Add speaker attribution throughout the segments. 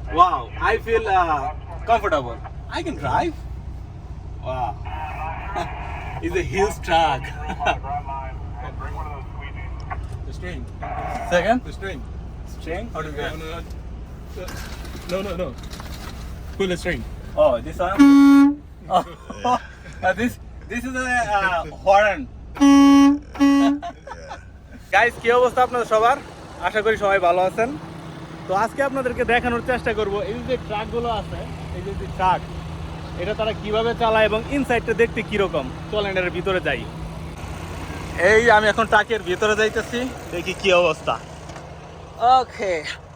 Speaker 1: Wow, I feel comfortable. I can drive. Wow, it's a huge truck.
Speaker 2: The string.
Speaker 1: Second,
Speaker 2: The string.
Speaker 1: string. How do you get?
Speaker 2: No. Pull the string.
Speaker 1: Oh, this one. Oh, this is a horn. Guys কি অবস্থা আপনাদের সবার? আশা করি সবাই ভালো আছেন। তো আজকে আপনাদেরকে দেখানোর চেষ্টা করব এই যে ট্রাকগুলো আছে, এই যে ট্রাক, এটা তারা কিভাবে চালায় এবং ইনসাইডটা দেখতে কিরকম। চলেন এর ভিতরে যাই। এই আমি এখন ট্রাকের ভিতরে যাইতেছি, দেখি কি অবস্থা। ওকে,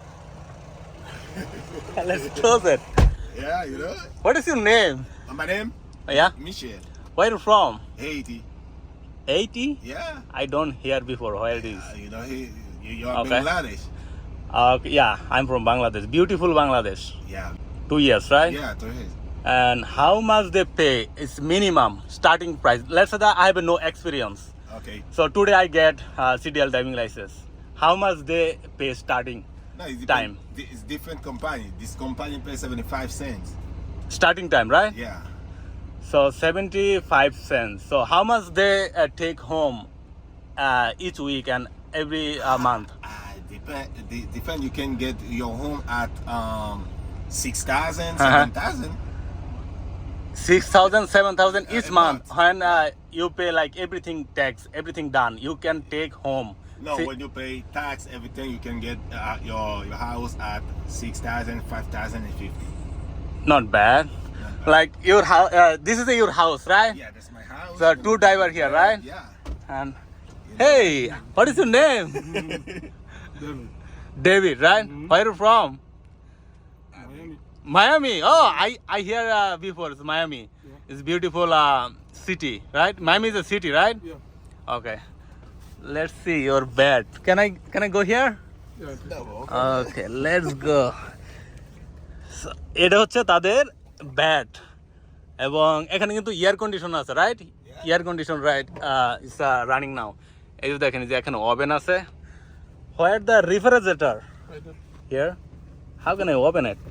Speaker 1: let's close it.
Speaker 3: Yeah, you know.
Speaker 1: What is your name?
Speaker 3: My name?
Speaker 1: Yeah,
Speaker 3: Michel.
Speaker 1: where you from?
Speaker 3: Haiti.
Speaker 1: 80?
Speaker 3: Yeah.
Speaker 1: I don't hear before. Where it is?
Speaker 3: You know, you're
Speaker 1: Okay.
Speaker 3: Bangladesh.
Speaker 1: Yeah, I'm from Bangladesh. Beautiful Bangladesh.
Speaker 3: Yeah.
Speaker 1: 2 years, right?
Speaker 3: Yeah, to his.
Speaker 1: And how much they pay? It's minimum starting price. Let's say that I have no experience.
Speaker 3: Okay.
Speaker 1: So today I get CDL driving license. How much they pay starting?
Speaker 3: No, it's
Speaker 1: Time.
Speaker 3: It's different company. This company pays 75 cents.
Speaker 1: Starting time, right?
Speaker 3: Yeah.
Speaker 1: So 75 cents. So how much they take home each week and every month?
Speaker 3: Depend. You can get your home at 6,000,
Speaker 1: Uh-huh.
Speaker 3: 7,000.
Speaker 1: 6,000, 7,000 each
Speaker 3: A
Speaker 1: month.
Speaker 3: month.
Speaker 1: When you pay like everything tax, everything done, you can take home.
Speaker 3: No,
Speaker 1: See-
Speaker 3: when you pay tax, everything, you can get your house at 6,000, 5,050.
Speaker 1: Not bad. Like your house. This is your house, right?
Speaker 3: Yeah, that's my house.
Speaker 1: So two driver here, right?
Speaker 3: Yeah.
Speaker 1: And hey, what is your name? David, right? Where you from?
Speaker 2: Miami.
Speaker 1: Miami. Oh, I hear before. It's Miami. It's beautiful city, right? Miami is a city, right?
Speaker 2: Yeah.
Speaker 1: Okay. Let's see your bed. Can I go here?
Speaker 2: Yeah.
Speaker 1: Okay, let's go. So, এটা হচ্ছে তাদের bat এবং এখানে কিন্তু air condition আছে, right? Air condition, right? It's running now. এই যে দেখেন, যে এখানে ওভেন আছে। Where the refrigerator
Speaker 2: Right there.
Speaker 1: here? How can I open it?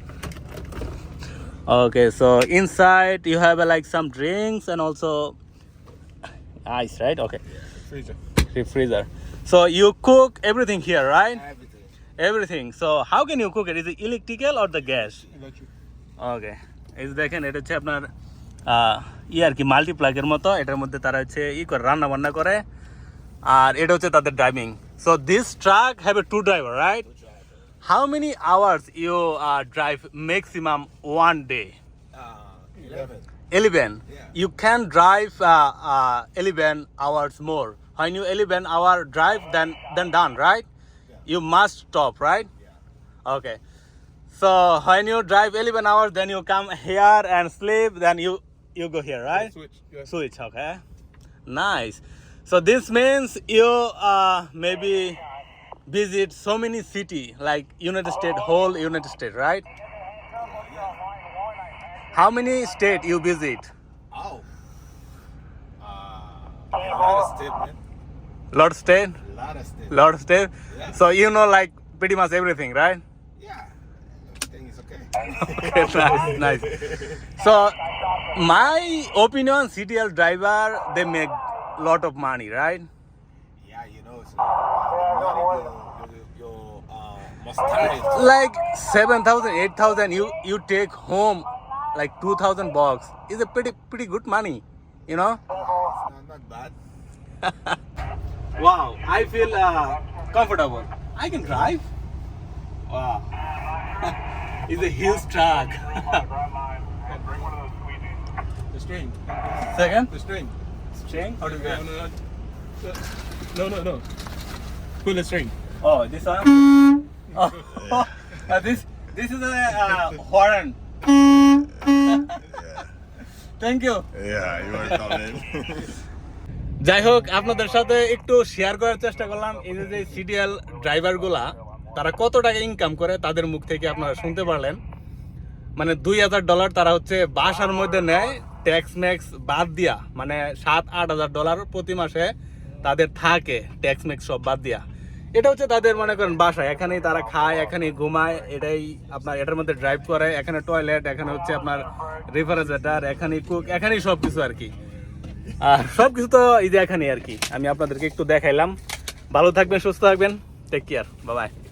Speaker 1: Okay, so inside you have like some drinks and also ice, right? Okay,
Speaker 2: Freezer.
Speaker 1: freezer. So you cook everything here, right?
Speaker 3: Everything.
Speaker 1: Everything. So how can you cook it? Is it electrical or the gas?
Speaker 2: Electric.
Speaker 1: Okay, এই যে দেখেন, এটা হচ্ছে আপনার আর কি মাল্টিপ্লাগের মতো। এটার মধ্যে তারা হচ্ছে করে রান্না বান্না করে, আর এটা হচ্ছে তাদের driving. So this truck have a two driver, right? How many hours you drive maximum one day?
Speaker 3: 11.
Speaker 1: 11.
Speaker 3: Yeah.
Speaker 1: You can drive 11 hours more. When you 11 hour drive, then done, right? You must stop, right? Okay. So when you drive 11 hours, then you come here and sleep, then you go here, right?
Speaker 2: Switch. Yeah.
Speaker 1: Switch, okay. Nice. So this means you maybe visit so many city like United States, whole United States, right? How many state you visit?
Speaker 3: Oh. A lot of step, man.
Speaker 1: Lot of state?
Speaker 3: A lot of step.
Speaker 1: Lot of state?
Speaker 3: Yeah.
Speaker 1: So you know like pretty much everything, right?
Speaker 3: Yeah. Everything is okay.
Speaker 1: Okay, nice. So my opinion, CDL driver, they make lot of money, right?
Speaker 3: Yeah, you know, so you must tired.
Speaker 1: Like 7,000, 8,000, you take home like 2,000 bucks. Is a pretty good money, you know?
Speaker 3: It's not bad.
Speaker 1: Wow, I feel comfortable. I can drive. Wow, it's a huge truck.
Speaker 2: The string.
Speaker 1: Second,
Speaker 2: The string.
Speaker 1: string. How do you get?
Speaker 2: No. Pull the string.
Speaker 1: Oh, this one. Oh, this is a horn. Thank you.
Speaker 3: Yeah, you are coming.
Speaker 1: যাই হোক, আপনাদের সাথে একটু share করার চেষ্টা করলাম এই যে সিডিএল ড্রাইভারগুলা তারা কত টাকা ইনকাম করে, তাদের মুখ থেকে আপনারা শুনতে পারলেন। মানে $2,000 তারা হচ্ছে বাসার মধ্যে নেয়, ট্যাক্স ম্যাক্স বাদ দিয়া, মানে $7-8 হাজার প্রতি মাসে তাদের থাকে ট্যাক্স ম্যাক্স সব বাদ দিয়া। এটা হচ্ছে তাদের মনে করেন বাসা, এখানেই তারা খায়, এখানেই ঘুমায়, এটাই আপনার এটার মধ্যে ড্রাইভ করে, এখানে টয়লেট, এখানে হচ্ছে আপনার রেফ্রিজারেটর, এখানেই কুক, এখানেই সবকিছু আর কি। আর সবকিছু তো এই যে এখানেই আর কি। আমি আপনাদেরকে একটু দেখাইলাম। ভালো থাকবেন, সুস্থ থাকবেন, টেক কেয়ার, বাই বাই।